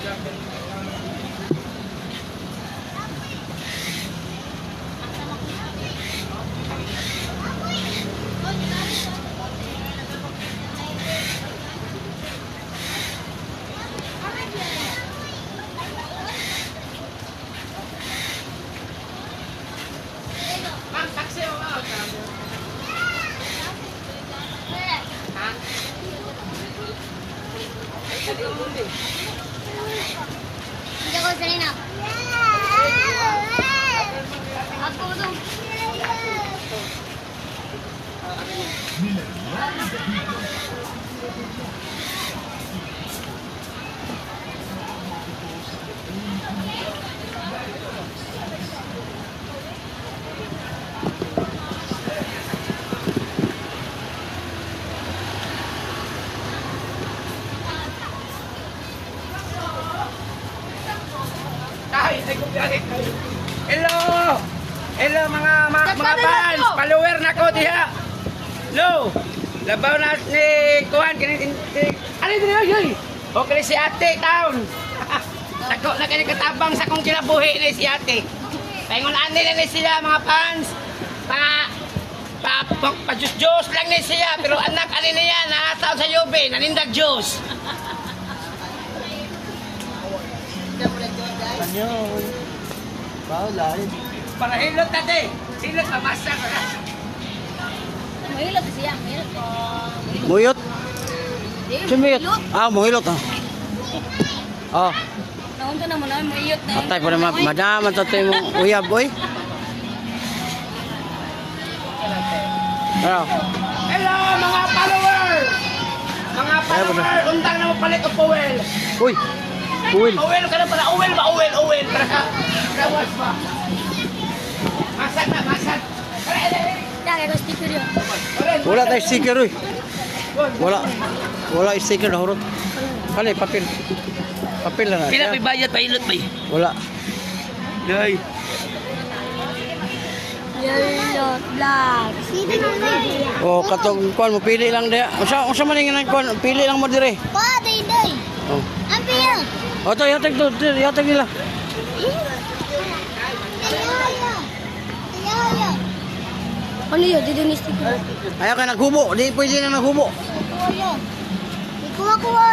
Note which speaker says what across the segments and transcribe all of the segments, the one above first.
Speaker 1: Hindi ko sanay na. Ako doon.
Speaker 2: Hello! Hello mga fans! Follower na ko diha! Hello! Labaw na ni Kuhan! Ano din yun? Okay si ate taon! Sako na kayo katabang sa kong kinabuhi ni si ate! Paingon ani na ni sila mga fans! Pa-juice lang ni siya pero anak ani niya nakataon sa Yube nanindag juice!
Speaker 3: Ano? Bawal.
Speaker 2: Para hilot tate! Hilot mamasa ko na!
Speaker 1: Mahilot siya. Mahilot ko.
Speaker 3: Muyot? Sumiyot? Ah, muyot ah. Oh,
Speaker 1: Naunta naman na. Mahilot na.
Speaker 3: atay pa naman. Madaman sa tayo mong uyab, boy. Ano?
Speaker 2: Hello mga follower! Mga follower! Undang na mo palit o Powell!
Speaker 3: Uy! Uwil!
Speaker 2: Uwel ka na pala! Uwel ba? Uwel! Kawas pa! Masad na! Masad!
Speaker 1: Dahil ko sticker yun.
Speaker 3: Wala tayo sticker, uy. Wala. Wala sticker na hurot. Kali, papel. Papel na na.
Speaker 2: Pila may bayad pa ilot ba?
Speaker 3: Wala.
Speaker 2: Day!
Speaker 1: Yellow, black. Sino naman?
Speaker 3: O, katong kuan mo, pili lang diya. Unsa man yung kuan, pili lang mo dire.
Speaker 1: Pa, day.
Speaker 3: Oh.
Speaker 1: Ang piya.
Speaker 3: O, to, yatag to. Yatag nila.
Speaker 1: Ano yun? Dito ni sticker.
Speaker 3: Ayaw ka naghubo. Di pwede na naghubo.
Speaker 1: Kuha.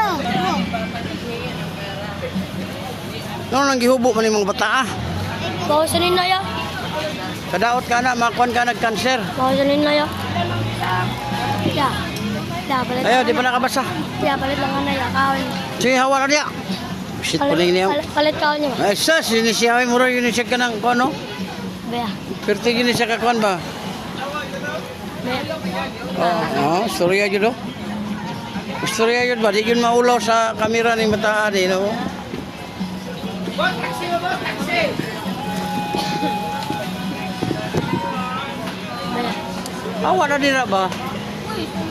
Speaker 3: Ano nang gihubo man yung mga bata ah.
Speaker 1: Bawasanin na ya.
Speaker 3: Kadaot ka na, makuan ka nag-cancer.
Speaker 1: Bawasanin na ya. Ya. Ya, palit.
Speaker 3: Ayaw, di pa nakabasa.
Speaker 1: Ya, palit lang na ya. Kaon.
Speaker 3: Sige, hawa na niya. Shit, puling niya.
Speaker 1: Palit kaon niya.
Speaker 3: Ay, sa, sinisiyawin mo rin yun siya ka ng kuan, no?
Speaker 1: Bea.
Speaker 3: Pero tigin siya ka kuan ba? Oo, storya yun, no? Storya yun ba? Di yun maulaw sa kamera ni Mataan, no?
Speaker 2: Boss! Taxi mo boss! Taxi!
Speaker 3: Hawa na din na ba?
Speaker 1: Uy,